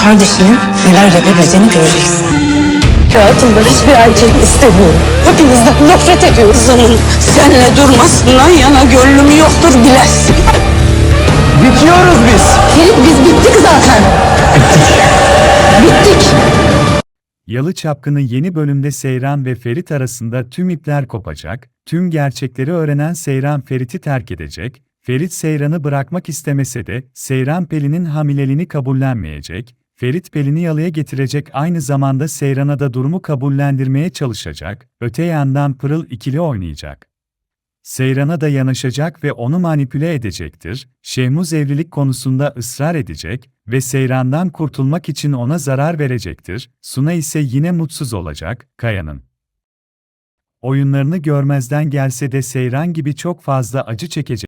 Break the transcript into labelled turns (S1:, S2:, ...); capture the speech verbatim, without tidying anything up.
S1: kardeşinin neler yapabileceğini göreceksin. Hayatımda hiçbir erkek istemiyorum. Hepinizden nefret ediyorum. Kızımın seninle durmasından yana gönlüm yoktur bilesin.
S2: Bitiyoruz biz.
S1: Ferit biz bittik zaten. Bittik.
S3: Yalı Çapkını yeni bölümde Seyran ve Ferit arasında tüm ipler kopacak, tüm gerçekleri öğrenen Seyran Ferit'i terk edecek, Ferit Seyran'ı bırakmak istemese de Seyran Pelin'in hamileliğini kabullenmeyecek, Ferit Pelin'i yalıya getirecek, aynı zamanda Seyran'a da durumu kabullendirmeye çalışacak, öte yandan Pırıl ikili oynayacak. Seyran'a da yanaşacak ve onu manipüle edecektir, Şehmuz evlilik konusunda ısrar edecek ve Seyran'dan kurtulmak için ona zarar verecektir, Suna ise yine mutsuz olacak, Kaya'nın oyunlarını görmezden gelse de Seyran gibi çok fazla acı çekecek.